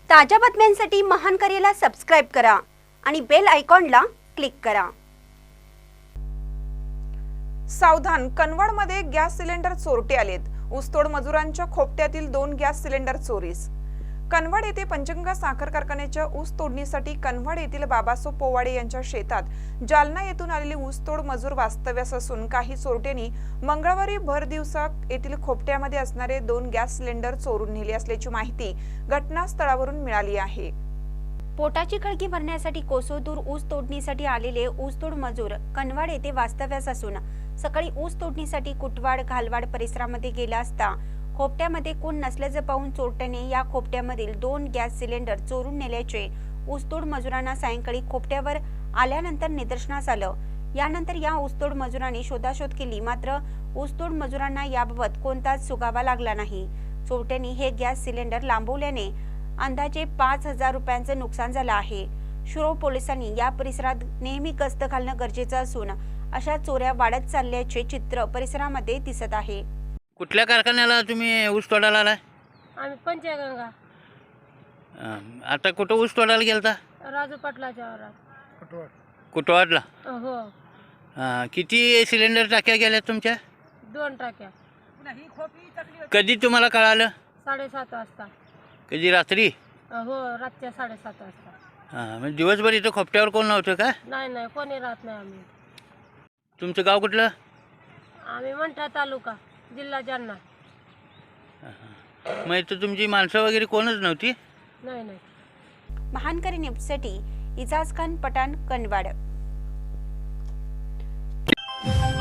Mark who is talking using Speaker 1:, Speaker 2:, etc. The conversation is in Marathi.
Speaker 1: ताज्या बातम्यांसाठी महानकरेला सबस्क्राइब करा आणि बेल आयकॉनला क्लिक करा।
Speaker 2: सावधान, कनवाडमध्ये गॅस सिलेंडर चोरटे आलेत। ऊसतोड मजुरांच्या खोपट्यातील 2 गॅस सिलेंडर चोरीस। कनवाड येथे पंचगंगा साखर कारखान्याच्या ऊस तोडणीसाठी कनवाड येथील बाबासो पोवाडे यांच्या शेतात जालना येथून आलेले ऊसतोड मजूर वास्तव्यास असून काही चोरट्यांनी मंगळवारी भर दिवसा येथील खोपट्यामध्ये असणारे 2 गॅस सिलेंडर चोरून नेले असल्याची माहिती घटनास्थळावरून मिळाली आहे।
Speaker 1: पोटाची खळगी भरण्यासाठी कोसोदूर ऊस तोडणीसाठी आलेले ऊसतोड मजूर कनवाड येथे वास्तव्यास असून सकाळी ऊस तोडणीसाठी कुटवाड घालवाड परिसरामध्ये गेला असता खोपट्यामध्ये कोण नसल्याचे पाहून चोरट्याने या खोपट्यामधील 2 गॅस सिलेंडर चोरून नेल्याचे ऊसतोड मजुरांना सायंकाळी खोपट्यावर आल्यानंतर निदर्शनास आलं। यानंतर या ऊसतोड मजुरांनी शोधाशोध केली, मात्र ऊसतोड मजुरांना याबाबत कोणताच सुगावा लागला नाही। चोरट्यांनी हे गॅस सिलेंडर लांबवल्याने अंदाजे 5,000 रुपयांचं नुकसान झालं आहे। शिरोळ पोलिसांनी या परिसरात नेहमी गस्त घालणं गरजेचं असून अशा चोऱ्या वाढत चालल्याचे चित्र परिसरामध्ये दिसत आहे।
Speaker 3: कुठल्या कारखान्याला तुम्ही ऊस तोडायला आलाय?
Speaker 4: आम्ही पंचगंगा
Speaker 3: आता कुठं ऊस तोडायला गेलता?
Speaker 4: राजू पाटलाच्या वावरात।
Speaker 3: कुटवाडला?
Speaker 4: हो,
Speaker 3: किती सिलेंडर टाक्या गेल्या तुमच्या?
Speaker 4: 2 टाक्या।
Speaker 3: कधी तुम्हाला कळालं?
Speaker 4: 7:30 वाजता।
Speaker 3: कधी रात्री?
Speaker 4: हो, रातच्या 7:30 वाजता।
Speaker 3: म्हणजे दिवसभर इथं खोपट्यावर कोण नव्हतं का?
Speaker 4: नाही, कोणी राहत नाही। आम्ही
Speaker 3: तुमचं गाव कुठलं?
Speaker 4: आम्ही मंठा तालुका, जिल्हा जालना।
Speaker 3: मग इथं तुमची माणसं वगैरे कोणच नव्हती?
Speaker 4: नाही।
Speaker 1: महानकरी न्यूजसाठी इजाज खान पठाण, कनवाड।